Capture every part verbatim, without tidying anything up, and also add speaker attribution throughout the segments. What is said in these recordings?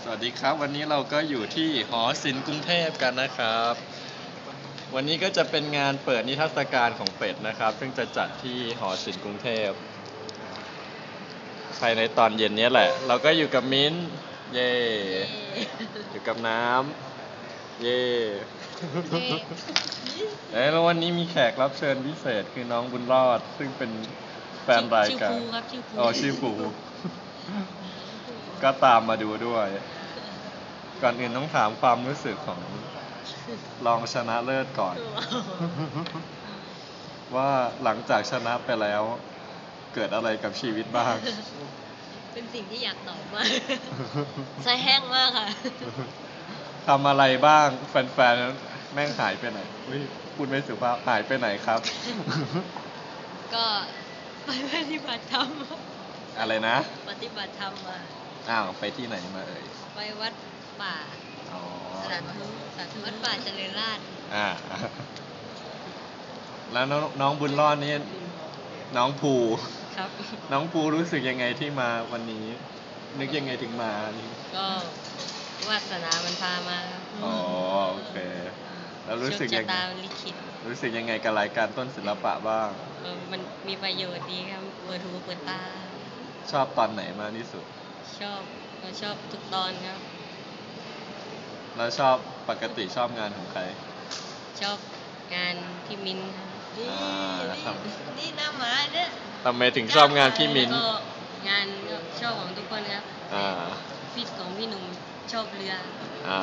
Speaker 1: สวัสดีครับวันนี้เราก็อยู่ที่หอศิลป์กรุงเทพกันนะครับวันนี้ก็จะเป็นงานเปิดนิทรรศการของเป็ดนะครับซึ่งจะจัดที่หอศิลป์กรุงเทพภายในตอนเย็นนี้แหละเราก็อยู่กับมิ้นเย่อยู่กับน้ำเย่แล้ววันนี้มีแขกรับเชิญพิเศษคือน้องบุญรอดซึ่งเป็นแฟนรายการอ๋อชื่อปูก็ตามมาดูด้วยก่อนอื่นต้องถามความรู้สึกของรองชนะเลิศก่อน ว่าหลังจากชนะไปแล้วเกิดอะไรกับชีวิตบ้าง
Speaker 2: เป็นสิ่งที่อยากตอบมากใจแห้งมากค่ะ
Speaker 1: ทำอะไรบ้างแฟนๆแม่งหายไปไหนพูดไม่สุภาพหายไปไหนครับ
Speaker 2: ก็ไปปฏิบัติธรรม
Speaker 1: อะไรนะ
Speaker 2: ปฏิบัติธรรมมา
Speaker 1: อ้าวไปที่ไหนมาเอ่ย
Speaker 2: ไปวัดป่าสถานทุสถานวัดป่าเจริญราษฎร์
Speaker 1: อ่าแล้วน้องน้องบุญรอดนี่น้องภู
Speaker 2: ครับ
Speaker 1: น้องภูรู้สึกยังไงที่มาวันนี้นึกยังไงถึงมา
Speaker 2: ก็วาสนามันพามา
Speaker 1: อ๋อโอเคแล้วรู้สึกยังไงรู้สึกยังไงกับรายการต้นศิลปะบ้าง
Speaker 2: เออมันมีประโยชน์ดีครับเปิดหูเปิดตา
Speaker 1: ชอบตอนไหนมากที่สุด
Speaker 2: ชอบเราชอบทุกตอนครับ
Speaker 1: แล้วชอบปกติชอบงานของใคร
Speaker 2: ชอบงานพี่มิ้นนี่นี่หน้าหมาเนี่ย
Speaker 1: ทำไมถึงชอบงานพี่มิ้น
Speaker 2: ก็งานชอบของทุกคนครับ
Speaker 1: อ่า
Speaker 2: พี่ของพี่หนุ่มชอบเรือ
Speaker 1: อ่า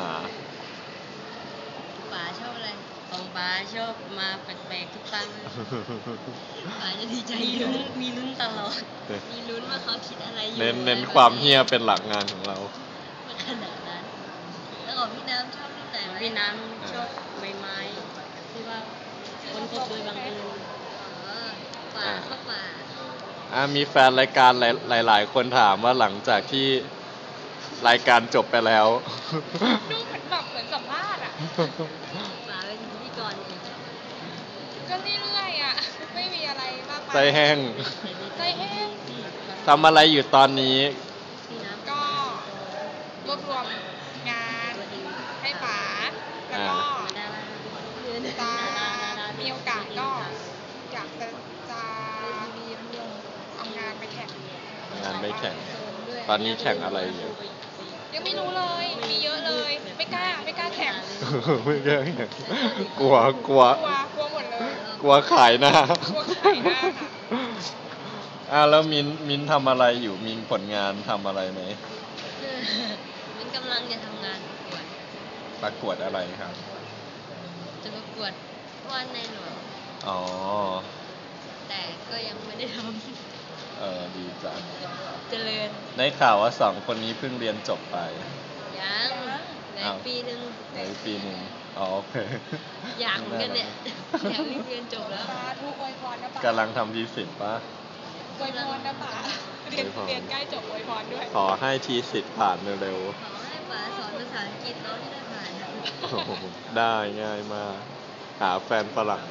Speaker 2: ป๋าชอบอะไรของป๋าชอบมาแปลกๆทุกครั้งป๋าจะดีใจมีลุ้นมีลุ้นตลอดมีลุ้นว่าเขาคิดอะไรอยู่
Speaker 1: เน้นเน้นความเฮี้ยเป็นหลักงานของเรา
Speaker 2: ขนาดนั้นแล้วของพี่น้ำชอบที่ไหนพี่น้ำชอบใบไม้ที่ว่าคนพบโดยบังเอิญป่าเข้าป่า
Speaker 1: อ่ามีแฟนรายการหลายหลายคนถามว่าหลังจากที่รายการจบไปแล้ว
Speaker 3: ดูเหมือนแบบเหมือนสัมภาษณ์อ่ะ
Speaker 2: ป่าเป็นพิธีกรเอง
Speaker 3: ก็เรื่อยๆอ่ะไม่มีอะไรมาก
Speaker 1: ใจแห้ง
Speaker 3: ใจแห้ง
Speaker 1: ทำอะไรอยู่ตอนนี้
Speaker 3: ก็รวบรวมงานให้ป๋าแล้วก็จะมีโอกาสก็อยากจะจะเอางานไปแข่ง
Speaker 1: งานไม่แข่งตอนนี้แข่งอะไรอยู่
Speaker 3: ยังไม่รู้เลยมีเยอะเลยไม่กล้าไม่กล้าแข่ง
Speaker 1: ไม่กล้าแข่งกลัวกลัว
Speaker 3: กลัวกลัวหมดเลย
Speaker 1: กลัวขายหน้าก
Speaker 3: ลัวขายหน้าค่ะ
Speaker 1: อ่าแล้วมินมินทำอะไรอยู่มินผลงานทำอะไรไหม
Speaker 2: มินกำลังจะทำงานประกวด
Speaker 1: ประกวดอะไรครับ
Speaker 2: จะประกวดวาดในหลวง
Speaker 1: อ๋อ
Speaker 2: แต่ก็ยังไม่ได้ทำ
Speaker 1: เออดีจัง
Speaker 2: เจริญ
Speaker 1: ได้ข่าวว่าสองคนนี้เพิ่งเรียนจบไป
Speaker 2: ยังในปีหนึ่ง
Speaker 1: ในปีหนึ่งอ๋อโอเค
Speaker 2: อยากเหมือนกันเนี่ยอยากเรียนจบแล้ว
Speaker 3: ทุกอวยพรนะป๋าก
Speaker 1: ำลังทำทีสิทธิ์ปะ
Speaker 3: อวยพรนะป๋าเรียนเรียนใกล้จบอวยพรด้วย
Speaker 1: ขอให้ทีสิทธิ์ผ่านเร็ว
Speaker 2: ๆขอให้ป๋าสอนภาษาอังกฤษน้องที่ได้ผ่าน
Speaker 1: ได้ง่ายมากหาแฟนฝรั่ง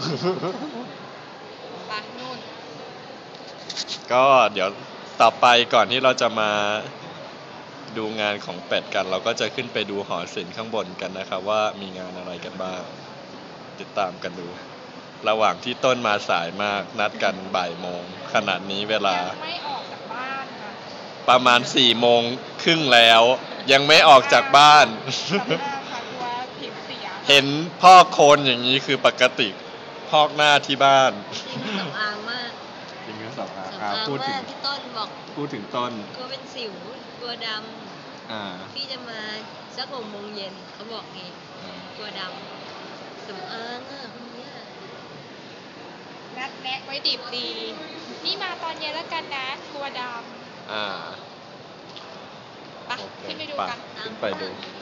Speaker 3: ไปนู่น
Speaker 1: ก็เดี๋ยวต่อไปก่อนที่เราจะมาดูงานของเป็ดกันเราก็จะขึ้นไปดูหอศิลป์ข้างบนกันนะครับว่ามีงานอะไรกันบ้างติดตามกันดูระหว่างที่ต้นมาสายมากนัดกันบ่ายโมงขนาดนี้เวลา
Speaker 3: ไม่ออกจากบ้านค่ะ
Speaker 1: ประมาณสี่โมงครึ่งแล้วยังไม่ออกจากบ้านเห็นพอกโคนอย่างนี้คือปกติพอกหน้าที่บ้าน
Speaker 2: สำอางมาก
Speaker 1: จริงๆสำอาง
Speaker 2: สำอางพูดถึงที่ต้นบอก
Speaker 1: พูดถึงต้น
Speaker 2: กลัวเป็นสิวกลัวดำพี่จะมาสักหกโมงเย็นเขาบอกไงกลัวดำสำอางอ่ะคนนี้
Speaker 3: นัดแนะไว้ดิบดีนี่มาตอนเย็นแล้วกันนะกลัวดำ
Speaker 1: อ่า
Speaker 3: ไปขึ้นไปดูกัน
Speaker 1: ขึ้นไปดู